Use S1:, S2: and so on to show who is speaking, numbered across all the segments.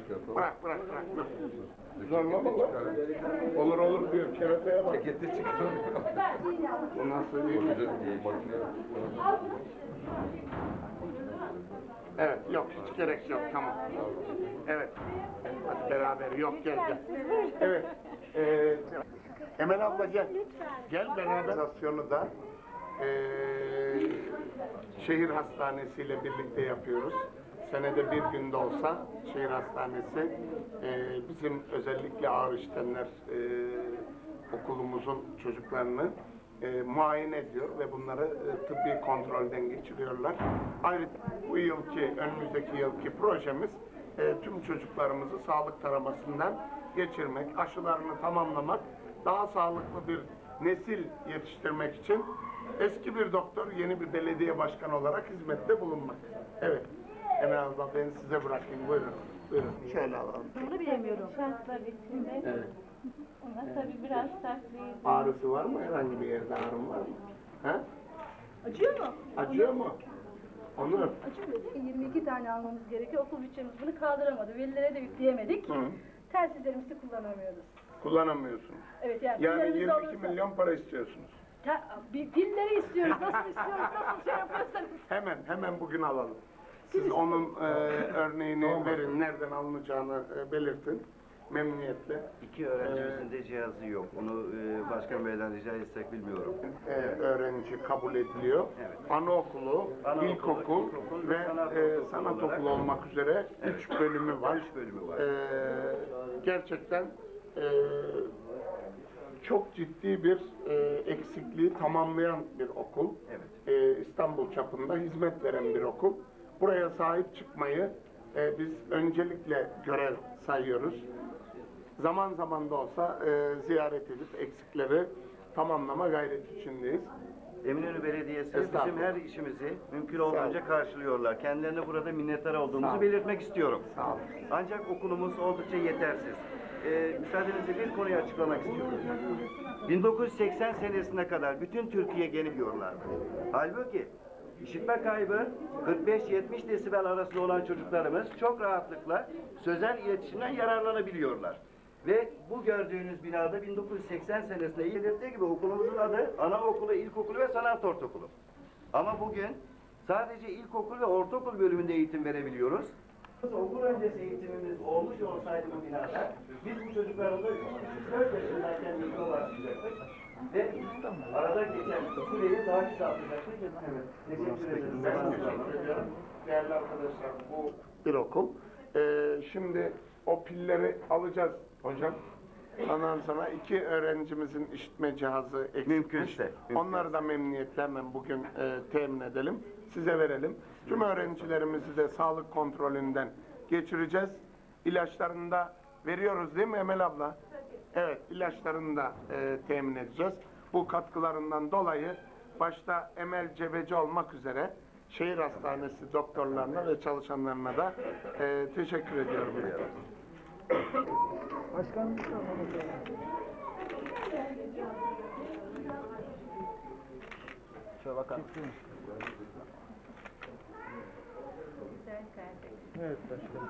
S1: çıkartalım.
S2: Bırak. Zorlama lan. Olur diyor. Kereteye bak.
S1: Ceketi çıkartalım.
S2: Bu nasıl bir
S1: Makine.
S2: Evet, yok hiç gerek yok, tamam. Evet, hadi beraber, yok gel. Evet, Emel abla gel. Gel beraber. Organizasyonu da şehir hastanesiyle birlikte yapıyoruz. Senede bir günde olsa şehir hastanesi bizim özellikle ağır işlemler okulumuzun çocuklarını muayene ediyor ve bunları tıbbi kontrolden geçiriyorlar. Ayrıca bu önümüzdeki yılki projemiz tüm çocuklarımızı sağlık taramasından geçirmek, aşılarını tamamlamak, daha sağlıklı bir nesil yetiştirmek için eski bir doktor, yeni bir belediye başkanı olarak hizmette bulunmak. Evet. Emel abla ben size bırakayım. Buyurun. Şöyle alalım.
S3: Bunu bilemiyorum. Şartlar içinde.
S2: Evet.
S3: Ona tabii biraz sertliği.
S2: Ağrısı var mı? Herhangi bir yerde ağrım var mı? Ha?
S3: Acıyor mu?
S2: Acıyor mu? Onur.
S3: Acıyor değil mi? 22 tane almamız gerekiyor. Okul bütçemiz bunu kaldıramadı. Velilere de yükleyemedik.
S2: Hı.
S3: Telsizlerimizi kullanamıyoruz.
S2: Kullanamıyorsunuz.
S3: Evet
S2: Yani
S3: pillerimiz
S2: 22
S3: olursa-
S2: milyon para istiyorsunuz.
S3: Pilleri istiyoruz. Nasıl istiyoruz? Nasıl şey yapıyorsanız.
S2: Hemen bugün alalım. Siz onun örneğini verin, nereden alınacağını belirtin. Memnuniyetle.
S4: İki öğrencimizin de cihazı yok. Onu başkan beyden rica etsek bilmiyorum.
S2: Öğrenci kabul ediliyor.
S4: Evet.
S2: Anaokulu, ilkokul ve sanat okulu olmak üzere 3 bölümü var.
S4: 3 bölümü var.
S2: Gerçekten çok ciddi bir eksikliği tamamlayan bir okul.
S4: Evet.
S2: İstanbul çapında hizmet veren bir okul. Buraya sahip çıkmayı biz öncelikle görev sayıyoruz. Zaman zaman da olsa ziyaret edip eksikleri tamamlama gayreti içindeyiz.
S4: Eminönü Belediyesi
S2: Estağfurullah.
S4: bizim her işimizi mümkün olduğunca karşılıyorlar. Kendilerine burada minnettar olduğumuzu belirtmek istiyorum.
S2: Sağ olun.
S4: Ancak okulumuz oldukça yetersiz. Müsaadenizle bir konuyu açıklamak istiyorum. 1980 senesine kadar bütün Türkiye geliyorlardı. Halbuki işitme kaybı 45-70 desibel arasında olan çocuklarımız çok rahatlıkla sözel iletişimden yararlanabiliyorlar. Ve bu gördüğünüz binada 1980 senesinde belirttiği gibi okulumuzun adı anaokulu, ilkokulu ve sanat ortaokulu. Ama bugün sadece ilkokul ve ortaokul bölümünde eğitim verebiliyoruz. Okul öncesi eğitimimiz olmuş olsaydı bu binada biz bu çocuklarımıza 3,5-4 yaşındayken eğitime başlayacaktık. Ve arada geçen süreyi daha kısaltacaktık. Evet. Teşekkür ederim.
S2: Ben teşekkür ediyorum. Değerli arkadaşlar, bu bir okul. Şimdi o pilleri alacağız hocam. Ondan sonra 2 öğrencimizin işitme cihazı eksikmiş.
S4: Mümkünse.
S2: Onları da memnuniyetle hemen bugün temin edelim. Size verelim. Tüm öğrencilerimizi de sağlık kontrolünden geçireceğiz. İlaçlarını da veriyoruz değil mi Emel abla? Evet, ilaçlarını da temin edeceğiz. Bu katkılarından dolayı başta Emel Cebeci olmak üzere şehir hastanesi doktorlarına ve çalışanlarına da teşekkür ediyorum.
S5: Başkanım. Şöyle bakalım. Evet başkanım.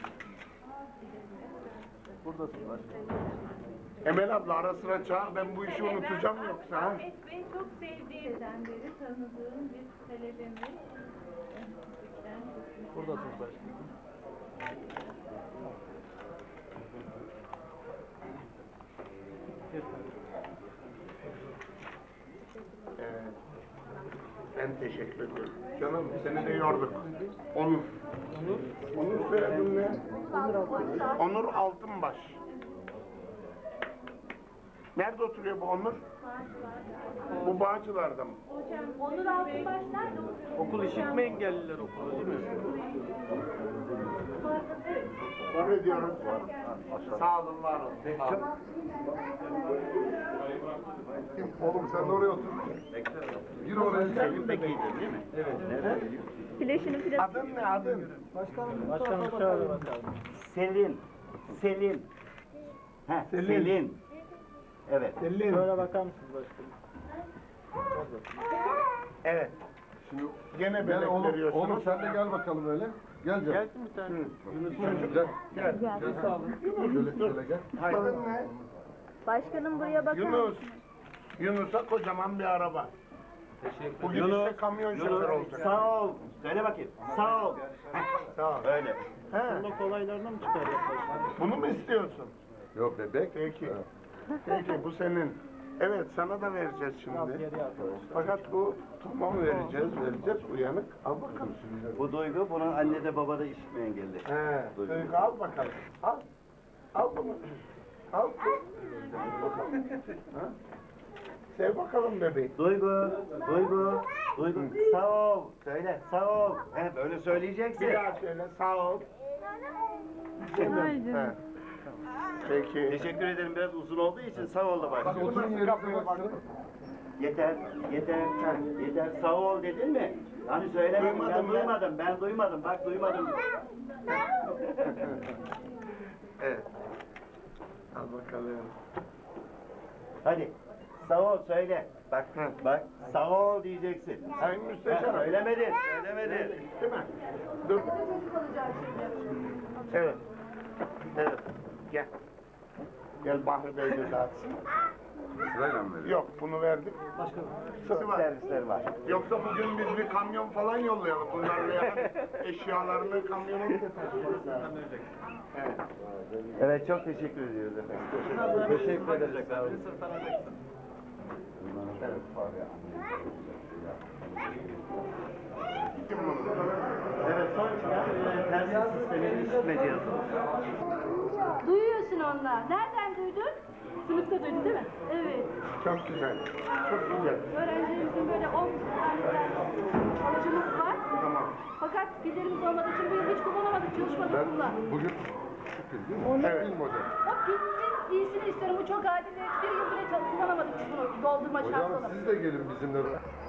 S5: Buradasın başkanım.
S2: Emel abla ara sıra çağır, ben bu işi unutacağım yoksa. Ha?
S3: Ahmet Bey çok sevdiğimden beri tanıdığım bir talebemiz.
S5: Buradasın başkanım.
S2: Ben teşekkür ediyorum. Canım seni de yorduk. Onur. Onur soyadın ne? Onur Altınbaş. Nerede oturuyor bu Onur? Bu Bağcılar'da mı?
S3: Hocam Onur Altınbaş nerede oturuyor?
S5: Okul işitme engelliler okulu değil mi?
S2: Kabul ediyoruz. Sağ olun, var olun. Sağ olun.
S1: Oğlum sen de oraya otur. Gir oraya.
S4: Selim Bekir'dir değil mi? Evet. Nereden geliyor?
S2: Adın ne adın?
S5: Başkanım şöyle bakalım.
S4: Selin. Selin. Selin. Evet.
S5: Şöyle bakar mısınız başkanım?
S2: Evet.
S1: Şimdi
S2: Gene
S1: gel
S2: belek
S1: oğlum,
S2: veriyorsunuz.
S1: oğlum sen de gel bakalım öyle. Gel canım.
S5: Gelsin bir tane.
S1: Gel. Gel. Sağ olun. Şöyle gel.
S2: Adın ne?
S6: Başkanım buraya bakar
S2: Yunus.
S6: mısınız?
S2: Yunus'a kocaman bir araba. Bu gidişte kamyon şoförü olacak.
S4: Sağ ol. Söyle bakayım. Sağ ol.
S2: Sağ ol.
S4: Öyle.
S2: He,
S5: Bunun kolaylarına mı çıkarıyor başkanım?
S2: bunu mu istiyorsun?
S1: Yok bebek.
S2: Peki. Peki bu senin. Evet sana da vereceğiz
S5: Biraz
S2: şimdi.
S5: geriye arkadaşlar.
S2: Fakat bu tamam vereceğiz. Uyanık. Al bakalım.
S4: Bu Duygu, bunun anne de baba da işitme engelli.
S2: He, Duygu al bakalım. Al. Al bunu. Al. Al bakalım. Ha? Sev bakalım bebeği.
S4: Duygu, Duygu, Duygu. Sağ ol. Söyle, sağ ol. He, böyle söyleyeceksin.
S2: Bir daha söyle. Sağ ol.
S6: Haydi.
S2: He. Peki.
S4: Teşekkür ederim. Biraz uzun olduğu için sağ ol da
S1: Bak
S4: başlıyor.
S1: oturun yerinize baksana.
S4: Yeter, yeter, yeter. Sağ ol dedin mi? Hani söylemedim,
S2: Duymadım
S4: ben
S2: ben.
S4: duymadım, ben duymadım. Bak duymadım.
S2: Evet. Al bakalım.
S4: Hadi, sağ ol söyle. Bak, bak, sağ ol diyeceksin.
S2: Sayın Müsteşarım.
S4: Söylemedin, söylemedin.
S2: Değil mi? Dur. Evet. Evet. Gel. Gel Bahri Bey de dağıtsın.
S1: Sırayla mı veriyor?
S2: Yok bunu verdik. Sıra var.
S4: Servisler var.
S2: Yoksa bugün biz bir kamyon falan yollayalım. Bunlarla yani eşyalarını kamyona taşıyacağız. Evet.
S4: Evet, çok teşekkür ediyoruz efendim.
S5: Teşekkür ederiz.
S2: Kim bunu?
S4: Evet, son çıkan telsiz sisteminin işitme cihazı.
S3: Duyuyorsun onlar. Nereden duydun? Sınıfta duydu değil mi? Evet.
S2: Çok güzel. Çok güzel.
S3: Öğrencilerimizin böyle 10 tane alıcımız var.
S2: Tamam.
S3: Fakat pillerimiz olmadığı için bu yıl hiç kullanamadık, çalışmadık bunlar.
S1: Bugün şu pil değil mi?
S2: Evet.
S1: Pil model.
S3: O pilin iyisini istiyorum. Bu çok adil. Bir yıl bile kullanamadık biz bunu doldurma şansı
S1: Hocam
S3: olarak.
S1: siz de gelin bizimle.